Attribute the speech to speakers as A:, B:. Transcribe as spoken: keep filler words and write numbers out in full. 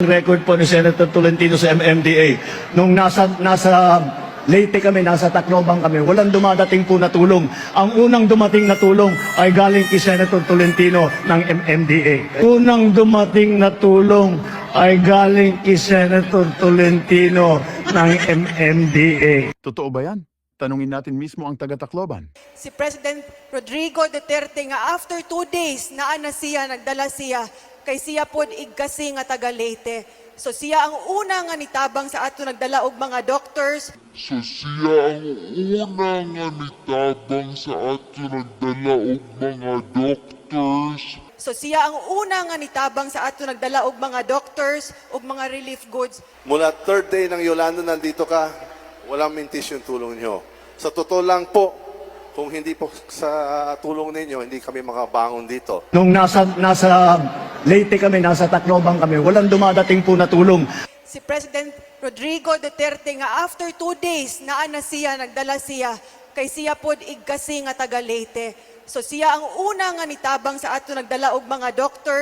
A: Record po ni Senator Tolentino sa M M D A. Nung nasa, nasa Leyte kami, nasa Tacloban kami, walang dumadating po na tulong. Ang unang dumating na tulong ay galing kay Senator Tolentino ng M M D A. Unang dumating na tulong ay galing kay Senator Tolentino ng M M D A.
B: Totoo ba yan? Tanungin natin mismo ang taga-Tacloban.
C: Si President Rodrigo Duterte nga after two days naa na siya, nagdala siya, kay siya pod igkasi nga taga Leyte. So siya ang una nga nitabang sa ato nagdala og mga doctors.
D: So siya ang una nga nitabang sa ato nagdala og mga doctors.
C: So siya ang una nga nitabang sa ato nagdala og mga doctors ug mga relief goods.
E: Mula third day ng Yolanda nandito ka, walang mintis yung tulong nyo. Sa totoo lang po, kung hindi po sa tulong ninyo, hindi kami makabangon dito.
A: Nung nasa, nasa Leyte kami, nasa Tacloban kami, walang dumadating po na tulong.
C: Si President Rodrigo Duterte nga after two days naa na siya, nagdala siya, kay siya pod igkasi nga taga Leyte. So siya ang una nga nitabang sa ato nagdala og mga doctors.